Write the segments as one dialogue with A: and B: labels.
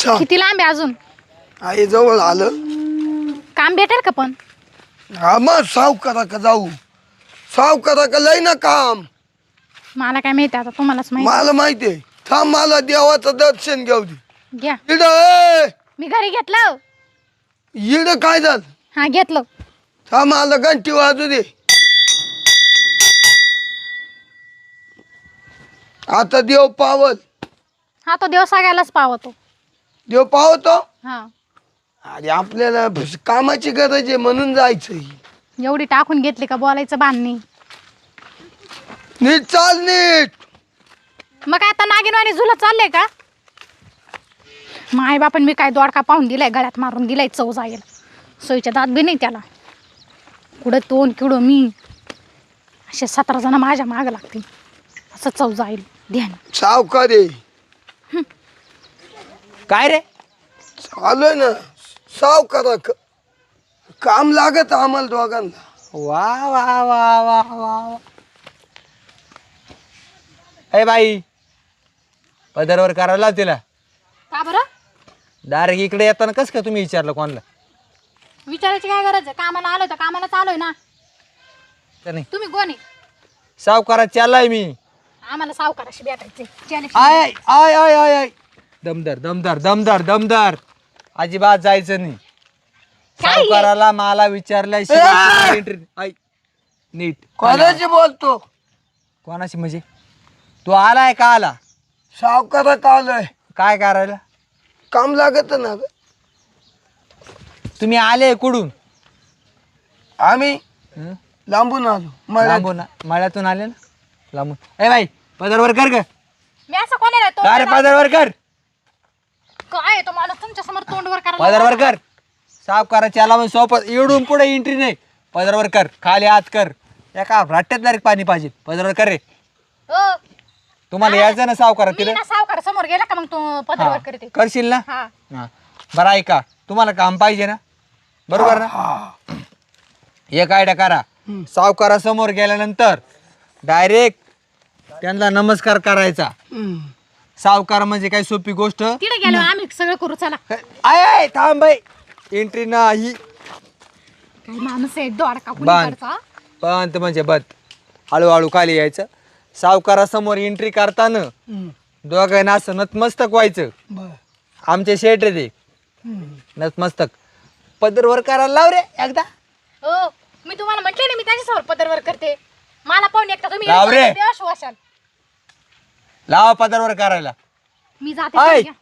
A: अच्छा
B: किती लांब आहे अजून?
A: आई जवळ आलं.
B: काम भेटेल का पण?
A: हा मग सावकारा का जाऊ, सावकारा का लय ना काम.
B: मला काय माहिती, आता तुम्हालाच माहिती.
A: मला माहितीये. थांब मला देवाचं दर्शन घेऊ दे.
B: घ्या.
A: इड
B: मी घरी घेतलं.
A: इड काय झालं?
B: हा घेतलं.
A: थांब मला घंटी वाजू दे. आता देव पावल.
B: हा तो देव सगळ्यालाच पावतो.
A: देव पावतो.
B: हा
A: अरे आपल्याला कामाची गरज आहे म्हणून जायचं.
B: एवढी टाकून घेतली का बोलायचं बाण नाही.
A: नीट चाल नीट.
B: मग काय आता नागिनवाणी झुलत चाललंय का? माय बापन मी काय दोडका पाहून दिलाय, गळ्यात मारून दिलाय चव जाईल. सोयीच्या दात बी नाही त्याला. कुठं तोंड किडो मी, असे 17 जण माझ्या मागं लागतील, असं चव जाईल. ध्यान
A: सावकारी
C: काय रे?
A: चालूय ना सावकारा काम लागत आम्हाला दोघांना.
C: वा वा वा वा वा. ए बाई, पदरवर करायला तिला.
B: का बरं?
C: डायरेक्ट इकडे येताना कसं काय तुम्ही विचारलं कोणाला?
B: विचारायची काय गरज आहे? कामाला आलोय तर कामाला चालोय ना.
C: का नाही?
B: तुम्ही कोण आहे?
C: सावकारात चाललाय मी.
B: आम्हाला सावकाराशी भेटायचंय.
C: आय आय आय आय आय. दमदार दमदार दमदार दमदार. अजिबात जायचं नाही.
B: काय?
C: सावकाराला मला विचारल्याशिवाय नीट.
A: कोणाची बोलतो?
C: कोणाशी म्हणजे? तू आलाय का आला?
A: सावकारा का आलोय?
C: काय करायला?
A: काम लागत ना ग.
C: तुम्ही आले कुठून?
A: आम्ही
C: हं?
A: लांबून आलो. मळ्यात.
C: लांबून मळ्यातून आले ना लांबून. ए बाई, पदरवर कर ग.
B: मी असं कोणाला
C: का रे? पदरवर कर.
B: काय तो माणूस तुमच्या समोर तोंडवर
C: पदरवर कर. सावकाराची आला म्हणजे सोपं. इडून पुढे एंट्री नाही. पदरवर कर. खाली हात कर. एका राट्यात डायरेक्ट पाणी पाहिजे. पदरवर कर रे. तुम्हाला यायचं ना सावकारात
B: मी
C: तिथे?
B: ना सावकार समोर गेला का मग तू पदरवर करते.
C: करशील ना?
B: हा
C: हा. बरं ऐका, तुम्हाला काम पाहिजे ना, बरोबर ना? एक आयडिया करा. सावकारासमोर गेल्यानंतर डायरेक्ट त्यांना नमस्कार करायचा.
A: हम्म.
C: सावकार म्हणजे काय सोपी गोष्ट?
B: तिथे गेलो आम्ही सगळं करू. चला.
C: आय आय थांब बाई, एंट्री नाही.
B: काय माणूस आहे दोडका
C: बांध.
B: कुणीकडचा.
C: पण म्हणजे बद हळूहळू खाली यायचं. सावकारासमोर एंट्री करताना
A: हम्म.
C: दोघांना असं नतमस्तक व्हायचं.
A: बर.
C: आमचे शेट रे ते
A: हम्म.
C: नतमस्तक. पदरवर करायला लाव रे एकदा.
B: हो मी तुम्हाला म्हटले ना मी त्याच्यासमोर पदरवर करते. मला पाहून एकटा तुम्ही
C: लाव रे.
B: देवाश्वासन.
C: लावा पदरवर करायला.
B: मी जाते.
C: ऐ.
B: घ्या.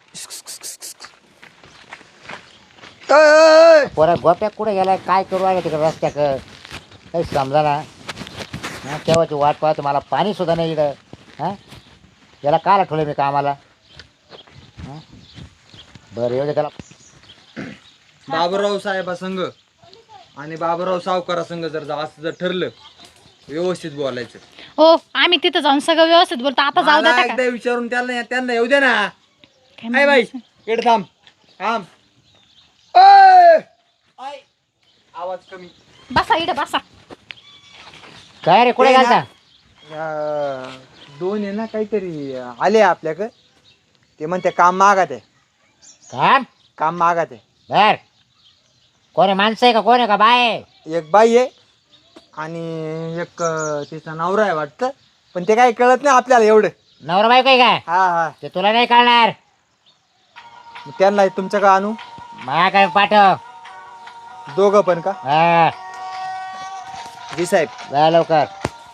A: ए,
D: पोरा गोप्या कुठे गेलाय? काय करू आहे तिकडे रस्त्याक? काही समजा ना. केव्हाची वाट पाहतो, मला पाणी सुद्धा नाही इकडं. हां, याला काला ठेवलं मी कामाला? हां, बरं येऊ दे त्याला.
C: बाबूराव साहेबा संघ आणि बाबूराव सावकारा संघ जर असं जर ठरलं व्यवस्थित बोलायचं.
B: हो आम्ही तिथं जाऊन सगळं व्यवस्थित बोलतो. आता जाऊ
C: मला
B: द्या का?
C: एकदा विचारून त्यांना येऊ दे ना.
B: काय
C: काय बाई,
B: माणूस आहे.
C: इकडे थांब थांब.
A: ए,
C: आवाज कमी.
B: बसा इकडे बसा.
D: काय रे, कुठे
C: ते ना,
D: घालता?
C: दोन आहे ना काहीतरी आले आपल्याकडे. ते म्हणते काम मागत आहे.
D: काम
C: मागत आहे.
D: बर. कोण आहे? माणसं आहे का कोण आहे का बाय आहे?
C: एक बाई आहे आणि एक तिचा नवरा आहे वाटतं. पण ते काही कळत नाही आपल्याला एवढं.
D: नवरा बायको आहे काय?
C: हा हा.
D: ते तुला नाही कळणार.
C: मग त्यांना तुमच्या का आणू?
D: मा काय पाठव.
C: दोघं पण का?
D: हा,
C: जी साहेब.
D: जा लवकर.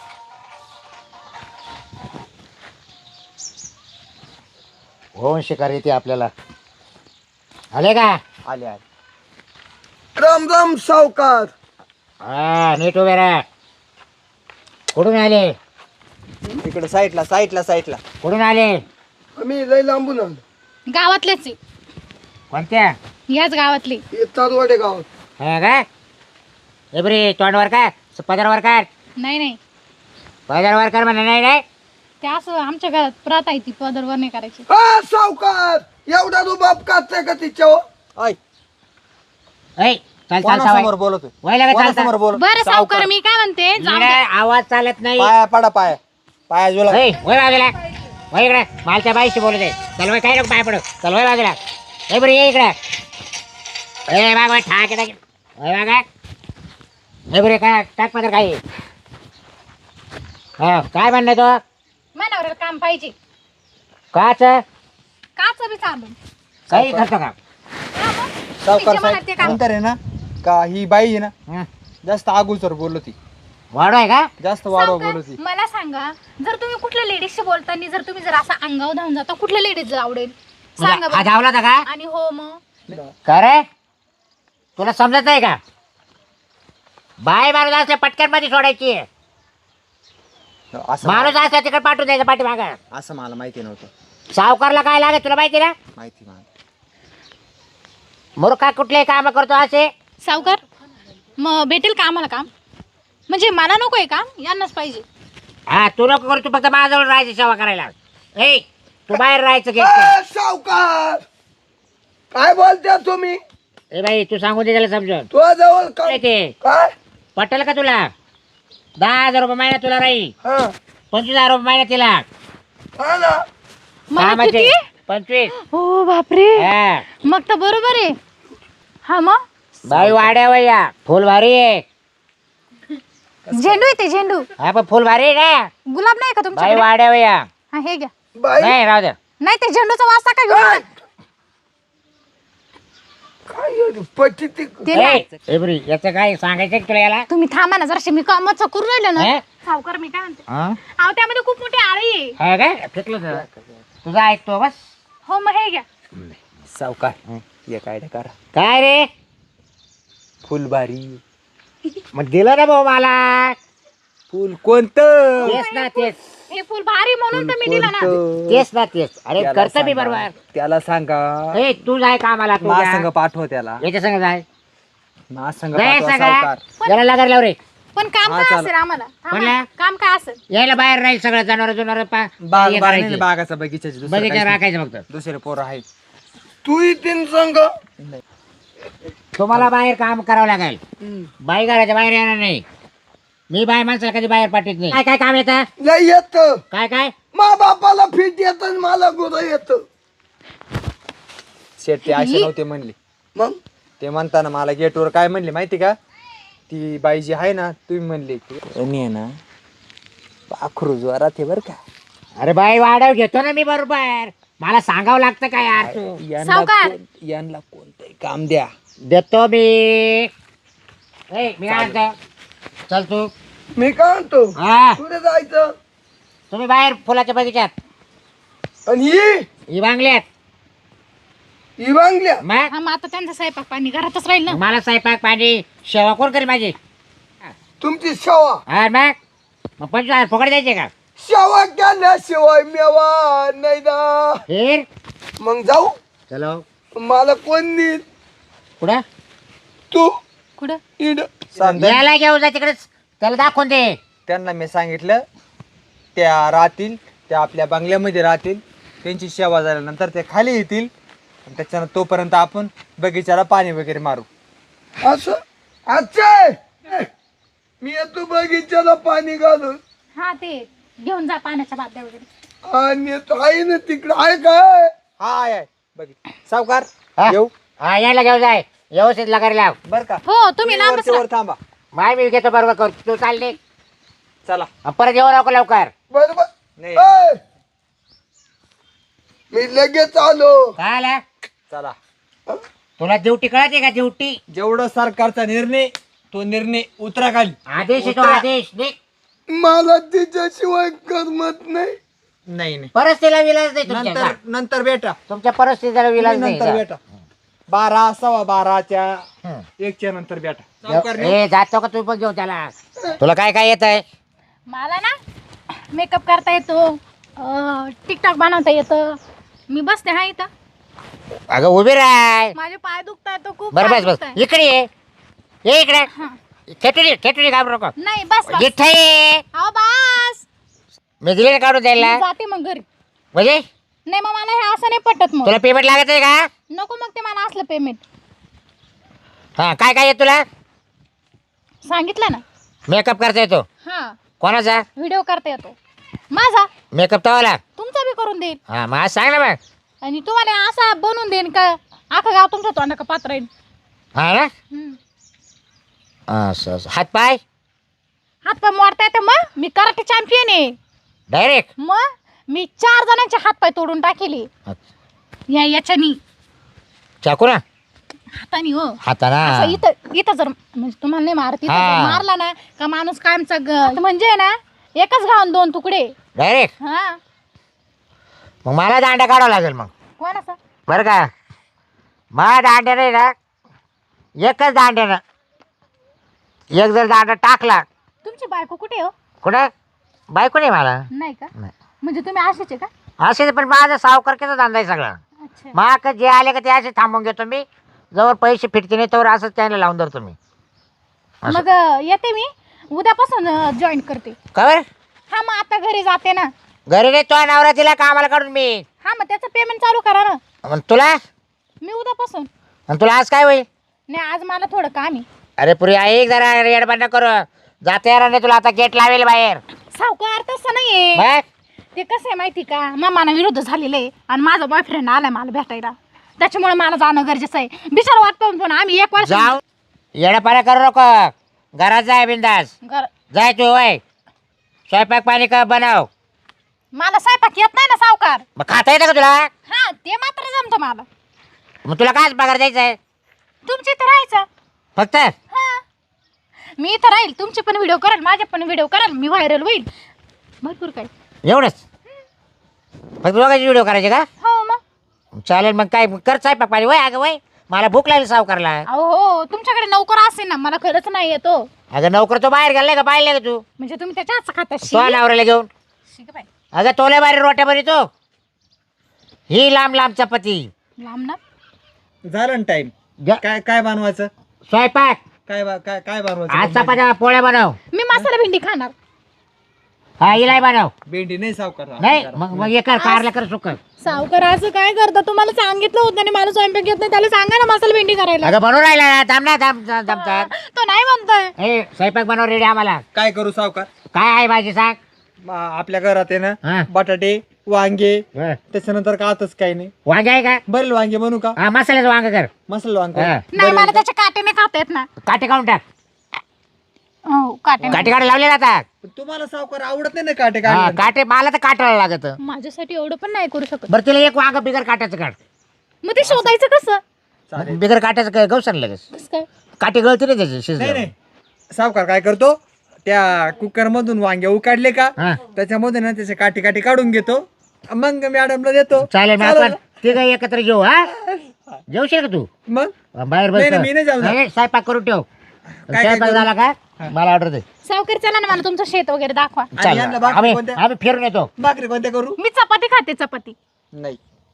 D: होऊन शिकार येते आपल्याला. आले का?
C: आले आले.
A: राम राम सावकार.
D: हा, नीट उभे राहा. कुठून आले?
C: इकडे साईडला.
D: कुठून आले?
A: आम्ही लय लांबून आलो.
B: गावातलेच आहे.
D: कोणत्या?
B: याच गावातले.
A: हे तारवाडे गावात.
D: हा का? हे बरे तोंडवर का? पदरवर कर.
B: नाही
D: पदरवर कर म्हणा. नाही नाही
B: ते असं आमच्या घरात प्रथा आहे ती पदरवर नाही करायची.
A: हा सावकार, एवढा रुबाब काढताय का तिच्यावर?
C: ऐ,
D: ऐ, चल चल
C: कोणासमोर
D: सावय.
C: बोलतोय?
D: वय लागत
C: कोणासमोर बोल?
B: बरं सावकार मी काय म्हणते जाऊ द्या.
D: आवाज चालत नाही.
C: पाया पडा पाया जुला.
D: वय बाजूला. वय इकडे मालच्या बाईशी बोलत आहे. चल वय, काय नको पाय पडू. चल वय बाजूला. ए बरं ये इकडे ए बाग ठाक टाक ए बाग ए बरे काय टाक पदर काय हा काय म्हणणं तो
B: मनावर काम पाहिजे
D: काच
B: काच बी चालून
D: काही करतो का
C: सावकार
B: तिच्या मनात ते
C: साहेब
B: काम.
C: नंतर आहे ना का ही बाई आहे ना
D: हं.
C: जास्त आगुचर बोलत ती
D: वाढ आहे का
C: जास्त वाढव
B: सावकार,
C: बोलत ती
B: मला सांगा जर तुम्ही कुठल्या लेडीजशी बोलताना जर तुम्ही जर असा अंगावर धावून जाता कुठल्या लेडीज आवडेल सांगा
D: हा
B: बरं.
D: धावला होता का
B: आणि हो मग
D: का रे तुला समजत नाही का बाय माणूस असल्या पटकन मध्ये सोडायची
C: असं
D: माणूस असला तिकडे पाठवून द्यायचा पाठीमाग
C: असं मला माहिती नव्हतं
D: सावकारला काय लागेल तुला माहिती ना
C: माहिती मला
D: मूर्खा कुठलेही काम करतो असे
B: सावकार मग भेटेल का आम्हाला काम म्हणजे मला नकोय काम यांनाच पाहिजे
D: हा तू नको करू तू फक्त माझ्याजवळ राहायची सेवा करायला ए तू बाहेर राहायचं घे
A: सावकार काय बोलत्या तुम्ही
D: ए बाई तू सांगून दे त्याला समजून
A: तुझ्या जवळ
D: काय ते
A: काय
D: पटेल का तुला 10,000 रुपये महिना तुला राहील
A: हा
D: 25,000 रुपये महिना तिला
A: हा ना
B: मला
D: कामाचे
B: किती
D: 25
B: हो बापरे
D: हा
B: मग तर बरोबर आहे हा मग
D: बाई वाड्या वया फुल भारी आहे
B: झेंडू आहे ते झेंडू
D: हा पण फुल भारी आहे ना
B: गुलाब नाही का
D: बाई
B: तुमच्याकडे
D: वाड्या वया
B: हा हे घ्या
A: बाई
D: नाही राहू दे
B: नाही ते झेंडूचा वाजता का घेऊन जा.
A: काय एवढी पट्टी ती
B: ते नाही.
D: ए बरी याचं काय सांगायचं का तुला याला
B: तुम्ही थांबा ना जराशी मी कामाचं करू राहिलो ना
D: हे?
B: सावकार मी काय म्हणते
D: हा
B: अहो त्यामध्ये खूप मोठी आळी आहे
D: हा काय फेकलं तुझं तुझं ऐकतो बस
B: हो मग हे घ्या
C: सावकार एक आयडिया करा
D: काय रे
C: फुलबारी
D: मग दिलं ना भाऊ मला
C: फुल कोणतं
D: तेच ना तेच
B: हे फुल भारी म्हणून तर मी दिलं ना
C: कोणतं?
D: तेच ना तेच अरे
C: त्याला
D: करतो मी
C: सांगा.
D: बरोबर
C: त्याला सांगा
D: ए तू जाय कामाला तू
C: मा
D: जा.
C: संग पाठव त्याला
D: याच्या संग जाय
C: मा संग
D: जाय
C: पाठवा
D: सांगा
C: सावकार
D: याला लागायला लाव रे
B: पण काम
C: हा,
B: काय
C: चालेल.
B: असेल आम्हाला थांबा.
D: म्हणला?
B: काम काय असेल
D: यायला बाहेर राहील सगळं जनावर जुनावर
C: बाग बाग बागाचा बगीचाची दुसरं
D: बगीचा
C: काहीच नाही.
D: राखायचं फक्त
C: दुसरे पोरं आहेत
A: तू तीन संघ
D: तुम्हाला बाहेर काम करावं लागेल बाई घराच्या बाहेर येणार नाही मी बाय माणसाला कधी बाहेर पाठवत नाही काय काय काम येतं
A: लय येत
D: काय काय
A: मा बापाला फिट येत मला गुरं येत
C: शेट ते असे नव्हते म्हणले
A: मग
C: ते म्हणताना मला गेटवर काय म्हणले माहिती का ती बाई जी आहे ना तुम्ही म्हणले की ना पाखरू ज्वारात आहे बरं का
D: अरे बाई वाढव घेतो ना मी बरोबर मला सांगावं लागतं काय यार तू
C: यांना
B: सावकार.
C: यांना कोणतंही काम द्या
D: देतो मी ए मी काय म्हणतो चल तू
A: मी काय म्हणतो
D: हा
A: कुठे जायचं
D: तुम्ही बाहेर फुलाच्या बगीच्यात
A: आणि
D: ही बांगल्यात
A: ही बांगल्या
D: मग
B: हा मग आता त्यांचा स्वयंपाक पाणी घरातच राहील ना
D: मला स्वयंपाक पाणी सेवा कोण करेल माझी
A: तुमची सेवा
D: हा मग 25,000 फुकट द्यायचे का
A: सेवा केल्याशिवाय मेवा नाही ना
D: फिर
A: मग जाऊ
D: चलो
A: मला कोण देईल
D: कुठं
A: तू
B: कुठं
A: इड
D: याला घेऊन जा तिकडेच त्याला दाखवून दे
C: त्यांना मी सांगितलं त्या राहतील त्या आपल्या बंगल्यामध्ये राहतील त्यांची सेवा झाल्यानंतर ते खाली येतील आणि त्याच्यानं तोपर्यंत आपण बगीच्याला पाणी वगैरे मारू
A: असं अच्छा मी येतो बगीच्याला पाणी घालून
B: हा ते घेऊन जा पाण्याच्या बादल्या वगैरे
A: आणि तो आहे ना तिकडं आहे काय
C: हा आहे बघित सावकार
D: हा?
C: येऊ
D: हा यायला घेऊन जाय व्यवस्थित लगायला लाव
C: बर का
B: हो तुम्ही लांबच
C: वरच्या वर
B: राहा.
C: थांबा
D: माय मी घेतो बरोबर कर तू चालले
C: चला
D: परत येऊ नको लवकर
A: बरोबर
C: नाही
A: ए, मी लगेच आलो
D: काय आला
C: चला
D: तुला ड्युटी कळते का ड्युटी
C: जेवढं सरकारचा निर्णय तो निर्णय उतरा खाली
D: आदेश आहे तो
C: उतरा.
D: आदेश निघ.
A: मला तिच्याशिवाय करमत नाही
C: नाही नाही
D: परिस्थितीला विलाज नाही तुमच्या
C: नंतर
D: जा.
C: नंतर भेटा
D: तुमच्या परिस्थितीला विलाज नाही
C: नंतर
D: जा.
C: भेटा 12 12:15
D: हं.
C: 1च्या नंतर भेटा सावकार
D: ए जातो का तू पण घेऊन त्याला तुला काय काय येत आहे
B: मला ना मेकअप करता येतो टिकटॉक बनवता येतं मी बसते हा इथं
D: अगं उभी राय
B: माझे पाय दुखताय तो खूप
D: बरं
B: पाय
D: बस बस
B: दुखताय.
D: इकडे ये इकडे
B: हा.
D: खेटुरी घाबरू नको
B: नाही बस बस
D: जिथं ये
B: अहो बस
D: मी दिले ना काढून
B: मी
D: द्यायला
B: जाते मग घरी
D: म्हणजे
B: नाही मग मला हे असं नाही पटत मग
D: तुला पेमेंट लागत आहे का
B: नको मग ते मला असलं पेमेंट
D: हा काय काय येत तुला
B: सांगितलं ना
D: मेकअप करता येतो
B: हा
D: कोणाचा
B: व्हिडिओ करता येतो माझा
D: मेकअप तवाला
B: तुमचा बी करून देईल
D: हा मग आज सांग ना मग
B: आणि तुम्हाला असा बनवून देईन का अख्खं गाव तुमच्या तोंडा पात्र आहे.
D: हा ना असं असं हातपाय
B: हातपाय मोडता येते मग मी कराटे चॅम्पियन आहे.
D: डायरेक्ट
B: मग मी 4 जणांचे हातपाय तोडून टाकेले याच्यानी
D: चाकू ना
B: हातानी हो.
D: हाताना
B: असं इथं इथं जर म्हणजे तुम्हाला नाही मारत इथं
D: हा.
B: जर मारला ना का माणूस कायमचा म्हणजे ना एकच गावून 2 तुकडे.
D: डायरेक्ट
B: हा
D: मग मला दांडा काढावा लागेल मग
B: कोणाचा
D: बरं का मला दांड्या नाही ना एकच दांड्यानं एक जर दांडा टाकला
B: तुमची बायको कुठे हो.
D: कुठं बायको नाही मला
B: नाही का
D: नाही.
B: म्हणजे तुम्ही असेच आहे का.
D: असे पण माझा सावकार कसं दांदा आहे सगळा
B: अच्छा
D: मग जे आले का ते असे थांबून घेतो मी जवळ पैसे फिटते नाही तोवर असंच त्याला लावून धरतो मी असं.
B: मग येते मी उद्यापासून जॉईन करते.
D: का बरं
B: हा मग आता घरी जाते ना.
D: घरी नाही तो नवरा तिला कामाला काढून मी
B: हा मग त्याचं पेमेंट चालू करा ना.
D: मग तुला
B: मी उद्यापासून
D: आणि तुला आज काय होईल
B: नाही आज मला थोडं काम आहे.
D: अरे पुरी ऐक जरा येडबंड करू जाते यार नाही तुला आता गेट लावेल बाहेर
B: सावकार तसं नाहीये.
D: बघ
B: ते कसं आहे माहिती का मामाना विरुद्ध झालेलं आहे आणि माझा बॉयफ्रेंड आलाय मला भेटायला त्याच्यामुळे मला जाणं गरजेचं आहे. बिचार वाट पाहून पण आम्ही 1 वर्ष
D: जाऊ येडापाड्या करू नको घरात जाय बिंदास जाय तू वय स्वयंपाक पाणी का बनव
B: मला स्वयंपाक येत नाही ना सावकार.
D: मग खाता येतं का तुला
B: हा ते मात्र जमतं मला.
D: मग तुला काय पगार द्यायचा आहे
B: तुमच्या इथं राहायचं.
D: फक्त
B: हा मी इथं राहील तुमचे पण व्हिडिओ करेल माझे पण व्हिडिओ करेल मी व्हायरल होईल भरपूर काय.
D: एवढंच फक्त दोघांचे व्हिडिओ करायचे का
B: हो मग
D: चालेल मग काय कर स्वयंपाक पाणी वय अगं वय मला भूक लागली सावकारला
B: अहो हो तुमच्याकडे नोकर असेल ना मला खरंच नाही येतो.
D: अगं नोकर तो बाहेर गेलाय का पाहिले का तू
B: म्हणजे तुम्ही त्याच्या हातचं खाता
D: तो नवऱ्याला घेऊन अगं तोल्या बाहेर रोट्या बनवतो ही लांब लांब चपाती
B: लांब ना.
C: झालं ना टाइम काय काय बनवायचं
D: स्वयंपाक
C: काय बनवायचं
D: आज चपात्या पोळ्या बनव
B: मी मसाला भेंडी खाणार.
D: हा इलाय बनव
C: भेंडी नाही सावकार
D: नाही मग हे कर कारला कर सुक
B: सावकार असं काय करता तुम्हाला सांगितलं होतं आणि मला स्वयंपाक येत नाही त्याला सांगा ना मसाला भेंडी करायला.
D: अगं बनवून राहिला ना थांब ना थांबतात
B: तो नाही म्हणतोय.
D: ए स्वयंपाक बनव रेडी आम्हाला
C: काय करू सावकार
D: काय आहे भाजी सांग
C: आपल्या घरात आहे
D: हा.
C: ना बटाटे वांगे
D: हं.
C: त्याच्यानंतर का आताच काही नाही
D: वांगे आहे का
C: बरेल वांगे बनवू का
D: हा मसाल्याचं वांग कर
C: मसाला वांग
D: हा.
B: नाही मला त्याच्या काटेने खाता येत ना.
D: काटे काढून टाक
B: हो काटे
D: काटे काढे लावले जातात
C: तुम्हाला सावकार आवडत नाही ना काटे
D: हा,
C: काढले
D: काटे मला तर काटायला लागत
B: माझ्यासाठी एवढं पण नाही करू शकत.
D: बरं तिला एक वांग बिगर काट्याचं काढ
B: मग ते शोधायचं कसं.
C: चालेल
D: बिगर काट्याचं काय गवसन लगेच
B: कसं काय.
D: काटे गळते नाही त्याचे
C: नाही
D: शिजले
C: नाही सावकार काय करतो त्या कुकर मधून वांगे उकाडले का
D: हा
C: त्याच्यामध्ये ना त्याचे काटे काटे काढून घेतो मग मॅडमला देतो
D: चालेल मग आपण ते काय एकत्र घेऊ हा जेवशील का तू
C: मग
D: बाहेर
C: नाही,
D: बस
C: नाही, मी नाही जाऊ ना.
D: नाही, स्वयंपाक करून ठेव
C: काय
D: स्वयंपाक
C: करू?
D: झाला का मला ऑर्डर दे
B: सावकार चला ना मला तुमचं शेत वगैरे दाखवा.
D: चालेल
C: यांना भाकरी
D: आम्ही
C: कोणत्या?
D: आम्ही फिरून येतो
C: भाकरी कोणत्या करू
B: मी चपाती खाते चपाती.
C: नाही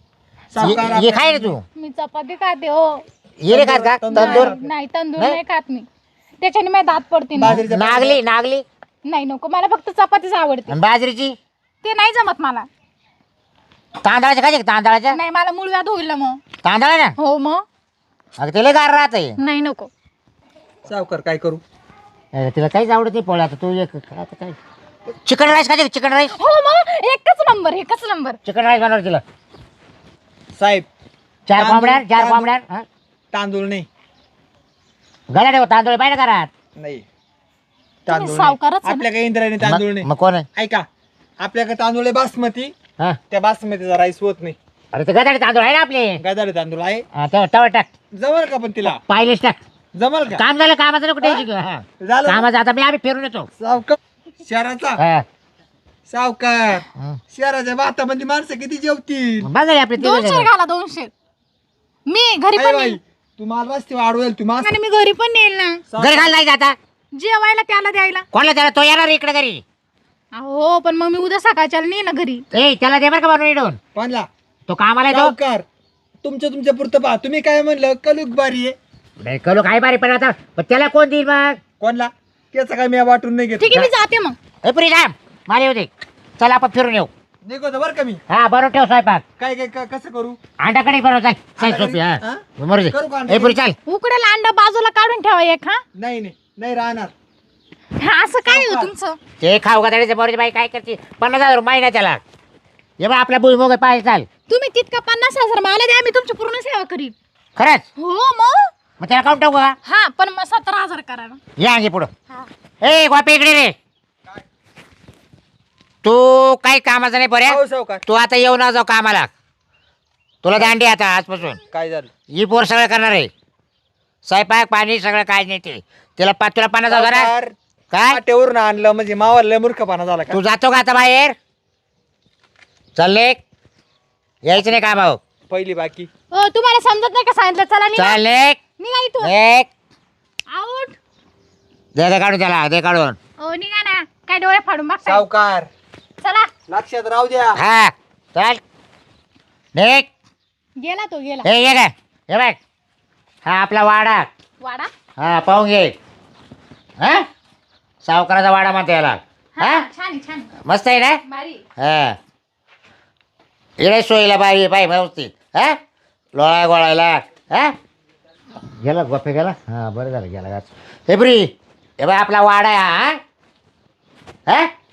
D: ये खाय रे तू
B: मी चपाती खाते हो.
D: ये रे खात का तंदूर
B: नाही तंदूर
D: नाही?
B: नाही खात मी त्याच्याने माझे दात पडते ना.
C: बाजरीच्या
D: नागली नागली
B: नाही नको मला फक्त चपातीच आवडते.
D: आणि बाजरीची
B: ते नाही जमत मला.
D: तांदळाच्या खायचे का तांदळाच्या
B: नाही मला मूळव्याध होईल ना मग.
D: तांदळा ना
B: हो मग
D: अगं तिला गार राहते
B: नाही नको.
C: सावकार काय करू
D: तिला काहीच आवडत नाही पोळ्या आता तू एक आता काय चिकन राईस खायचे चिकन राईस
B: हो मग एकच नंबर.
D: चिकन राईस बनव तिला
C: साहेब
D: 4 कोंबड्या 4
C: तांदूळ-
D: कोंबड्या हा?
C: तांदूळ नाही
D: गळ्या ठेव तांदूळ पाहिजे घरात
C: नाही तांदूळ नाही.
B: सावकारच आहे ना.
C: आपल्या काही इंद्रायणी तांदूळ
D: मग
C: नाही
D: मग कोण आहे
C: ऐका आपल्याकडे तांदूळ आहे बासमती
D: हा
C: त्या बासमतीचा राईस होत नाही
D: अरे ते गदाडे तांदूळ आहे ना आपले
C: गदाडे तांदूळ आहे
D: हा, तवा टाक
C: जमल का पण तिला
D: पाहिलेच टाक
C: जमल का
D: काम झालं कामाचं नको टेन्शन घेऊ हा
C: झालं
D: कामाचं आता मी आम्ही फिरून येतो
C: सावकार शहराचा
D: हा.
C: सावकार
D: हं.
C: शहराच्या भातामध्ये माणसं किती जेवतील
D: बघा रे आपले
B: 200 घाला 200. मी घरी
C: आई
B: पण
C: बाई
B: नेईल.
C: तुम्हाला रस्ते वाढवेल तुम्हाला
B: आणि मी घरी पण नेईल ना
D: घरी घाल नाही आता
B: जेवायला त्याला द्यायला.
D: कोणाला त्याला तो येणार इकडे घरी
B: हो पण मग मी उद्या सकाळच्याला नेईल ना घरी.
D: ए त्याला दे बरं का बनवून इडून
C: कोणला
D: तो कामाला येतो
C: सावकार तुमच्या पुरतं पहा तुम्ही काय म्हणलं कलुक बारी आहे
D: नाही कलो काय बारी पण आता पण त्याला कोण देईल मग
C: कोणला त्याचं काय मी वाटून नाही घेत
B: ठीक आहे मी जाते मग.
D: ए पुरी थांब मला येऊ दे चला आपण फिरून येऊ
C: निघतो बरं का मी
D: हा बनवून ठेव स्वयंपाक
C: काय काय कसं करू
D: अंडाकडे बनव चाल चाल
C: अंडाकढी?
D: सोपी हा
C: हा?
D: मरू दे
C: करू का
D: ए
C: अंडाकढी?
D: पुरी चाल
B: उकडेल अंडा बाजूला काढून ठेवा एक. हा
C: नाही नाही नाही राहणार
B: हा, असं काय हो तुमचं.
D: ते खाऊ का त्याचे बरोबर बाई काय करते 50,000 महिना त्याला हे बा आपला भुईमुग पाहिजे चाल
B: तुम्ही तितका 50,000 मला द्या मी तुमची पूर्ण सेवा करीन.
D: खरंच
B: हो मग
D: त्याला काउंट टाकू का
B: हा पण मग 17,000 करा ना.
D: या अंगी पुढं
B: हा.
D: ए गोपी इकडे रे तू काही कामाचं नाही बऱ्या
C: हो सावकार.
D: तू आता येऊ ना जाऊ कामाला तुला दांडी आता आजपासून
C: काय झालं
D: ही पोर सगळं करणार आहे स्वयंपाक पाणी सगळं काय नाही ते तुला 50,000
C: सावकार,
D: काय
C: पाट्यावरून आणलं म्हणजे मावाला लय मूर्खपणा झाला का
D: तू जातो का आता बाहेर चालले यायचं नाही का भाऊ
C: पहिली बाकी
B: तुम्हाला समजत नाही का सांगितलं चला निघा.
D: चालले
B: निघा इथून
D: एक
B: आउट.
D: दे काढून त्याला दे काढून
B: हो निघा ना काय डोळे फाडून बघताय.
C: सावकार
B: चला
C: लक्षात राहू द्या
D: हा चल निघ
B: गेला तो गेला.
D: हे ये काय हे बघ हा आपला वाडा
B: वाडा
D: हा पाहून घे हा सावकाराचा वाडा म्हणते याला
B: हा
D: हा
B: छान आहे, छान
D: मस्त आहे ना
B: भारी.
D: हा इकडे सोयीला बाई बाई व्यवस्थित हा लोळा गोळायला हा गेला गोफे गेला हा बरं झालं गेला हे ब्री हे बाय आपला वाडा आहे हा हा